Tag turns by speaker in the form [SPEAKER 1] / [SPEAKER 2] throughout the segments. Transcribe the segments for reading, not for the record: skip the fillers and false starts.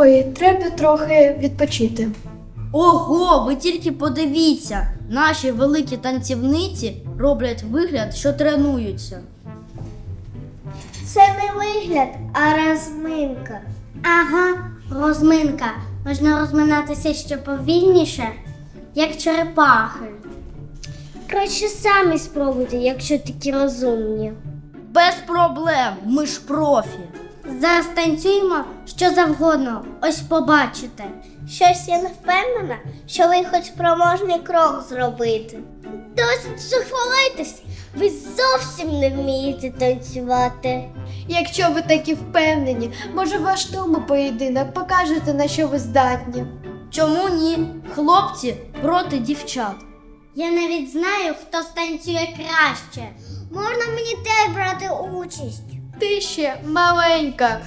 [SPEAKER 1] Ой, треба трохи відпочити.
[SPEAKER 2] Ого, ви тільки подивіться! Наші великі танцівниці роблять вигляд, що тренуються.
[SPEAKER 3] Це не вигляд, а розминка. Ага, розминка. Можна розминатися ще повільніше, як черепахи. Краще самі спробуйте, якщо такі розумні.
[SPEAKER 2] Без проблем, ми ж профі.
[SPEAKER 3] Зараз танцюємо що завгодно, ось побачите. Щось я не впевнена, що ви хоч спроможний крок зробити. Досить же хвалитись, ви зовсім не вмієте танцювати.
[SPEAKER 1] Якщо ви такі впевнені, може ваш тому поєдинок покажете, на що ви здатні.
[SPEAKER 2] Чому ні? Хлопці проти дівчат.
[SPEAKER 3] Я навіть знаю, хто станцює краще. Можна мені теж брати участь?
[SPEAKER 1] Ти ще маленька.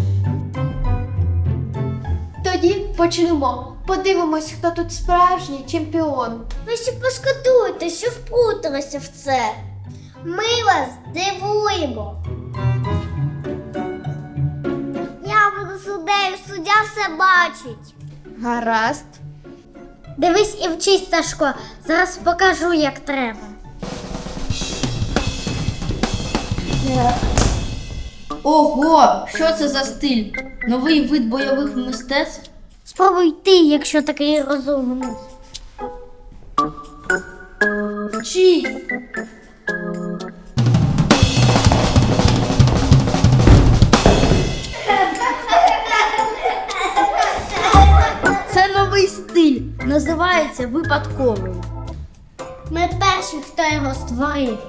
[SPEAKER 1] Тоді почнемо. Подивимось, хто тут справжній чемпіон.
[SPEAKER 3] Ви ще пошкодуєте, що вплуталися в це. Ми вас дивуємо. Я буду суддею, суддя все бачить.
[SPEAKER 1] Гаразд.
[SPEAKER 3] Дивись і вчись, Сашко, зараз покажу, як треба.
[SPEAKER 2] Ого, що це за стиль? Новий вид бойових мистецтв?
[SPEAKER 3] Спробуй ти, якщо такий розумний.
[SPEAKER 2] Вчись! Це новий стиль, називається випадковий.
[SPEAKER 3] Ми перші, хто його створив.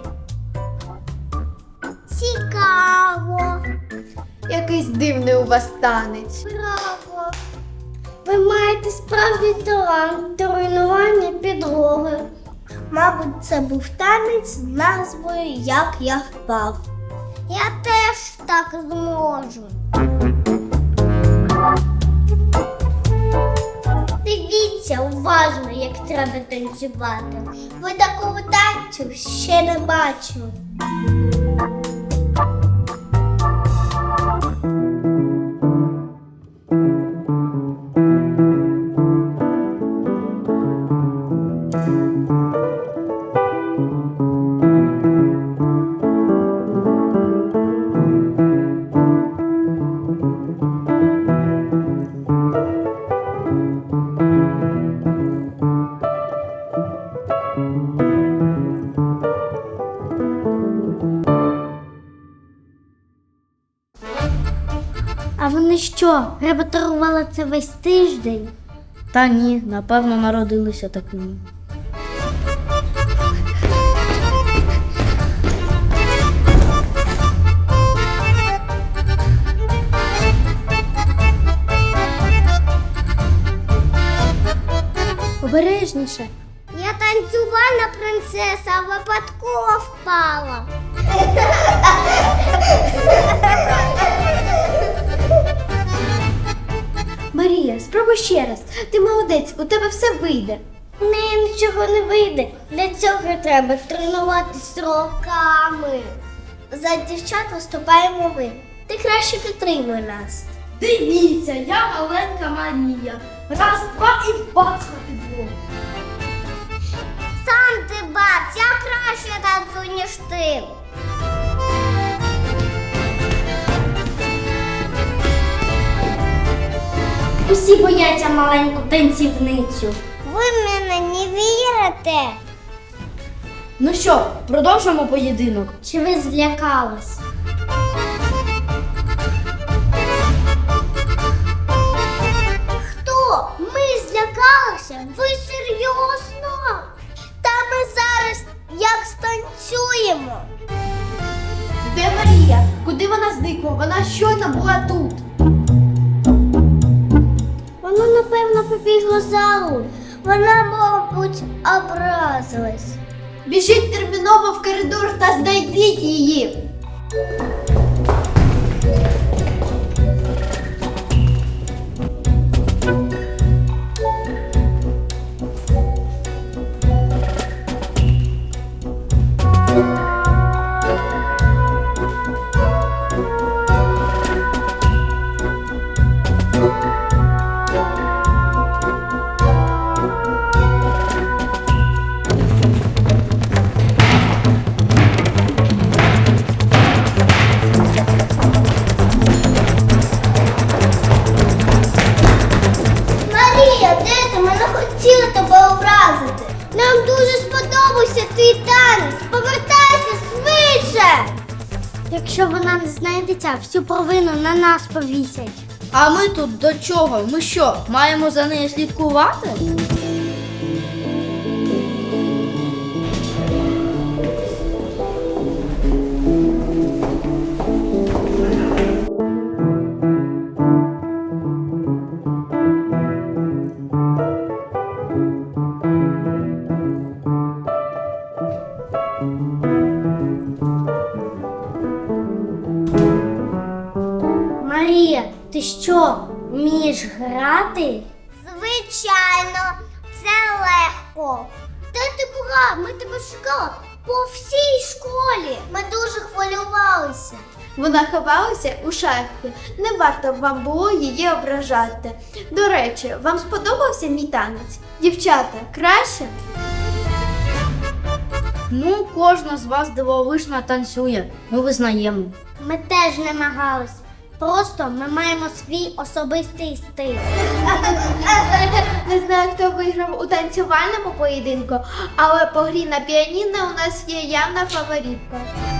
[SPEAKER 3] Цікаво.
[SPEAKER 1] Якийсь дивний у вас танець.
[SPEAKER 3] Браво! Ви маєте справжній талант до руйнування підлоги. Мабуть, це був танець з назвою «Як я впав». Я теж так зможу. Дивіться уважно, як треба танцювати. Ви такого танцю ще не бачили. А вони що, репетирували це весь тиждень?
[SPEAKER 2] Та ні, напевно, народилися такими.
[SPEAKER 1] Обережніше.
[SPEAKER 3] Я танцювальна принцеса, а випадково впала.
[SPEAKER 1] Марія, спробуй ще раз. Ти молодець, у тебе все вийде.
[SPEAKER 3] В неї нічого не вийде. Для цього треба тренуватись роками. За дівчат виступаємо ми. Ти краще підтримуй нас.
[SPEAKER 2] Дивіться, я маленька Марія. Раз, два і бац на підлогу.
[SPEAKER 3] Сам ти бац, я краще танцюю, ніж ти. Усі бояться маленьку танцівницю. Ви мене не вірите?
[SPEAKER 2] Ну що, продовжимо поєдинок?
[SPEAKER 3] Чи ви злякались? Хто? Ми злякалися? Ви серйозно? Та ми зараз як станцюємо.
[SPEAKER 1] Де Марія? Куди вона зникла? Вона щойно була тут.
[SPEAKER 3] Вона, напевно, побігла в залу. Вона, мабуть, образилась.
[SPEAKER 1] Біжіть терміново в коридор та знайдіть її.
[SPEAKER 3] Якщо вона не знайдеться, всю провину на нас повісять.
[SPEAKER 2] А ми тут до чого? Ми що, маємо за нею слідкувати?
[SPEAKER 3] Марія, ти що, вмієш грати? Звичайно, це легко. Де ти була? Ми тебе шукали по всій школі. Ми дуже хвилювалися.
[SPEAKER 1] Вона ховалася у шафі. Не варто б вам було її ображати. До речі, вам сподобався мій танець? Дівчата, краще?
[SPEAKER 2] Ну, кожна з вас дивовижно танцює. Ми визнаємо.
[SPEAKER 3] Ми теж намагались. Просто ми маємо свій особистий стиль.
[SPEAKER 1] Не знаю, хто виграв у танцювальному поєдинку, але по грі на піаніно у нас є явна фаворитка.